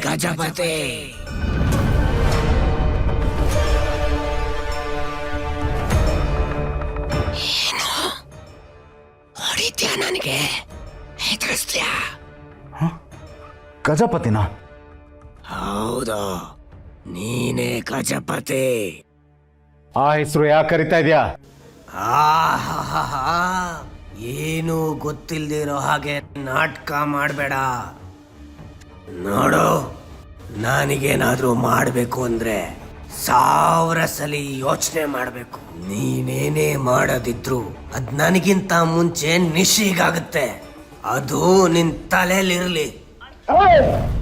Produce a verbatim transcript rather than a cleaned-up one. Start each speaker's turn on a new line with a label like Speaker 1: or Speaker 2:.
Speaker 1: ಗಜಪತಿ. ಏನು ಹೊಡಿತ್ಯಾ? ನನಗೆ ಹೆದರಿಸ್ತ್ಯಾ?
Speaker 2: ಗಜಪತಿನ?
Speaker 1: ಹೌದು, ನೀನೇ ಗಜಪತಿ.
Speaker 2: ಆ ಹೆಸರು ಯಾಕೆ ಕರಿತಾ ಇದೆಯಾ?
Speaker 1: ಆಹಾಹಾ, ಏನು ಗೊತ್ತಿಲ್ದಿರೋ ಹಾಗೆ ನಾಟಕ ಮಾಡಬೇಡ. ನೋಡು, ನನಗೇನಾದ್ರೂ ಮಾಡಬೇಕು ಅಂದ್ರೆ ಸಾವಿರ ಸಲ ಯೋಚನೆ ಮಾಡಬೇಕು. ನೀನೇನೇ ಮಾಡೋದಿದ್ರು ಅದ್ ನನಗಿಂತ ಮುಂಚೆ ನಿಶಿಗಾಗುತ್ತೆ. ಅದು ನಿನ್ ತಲೆಯಲ್ಲಿರ್ಲಿ.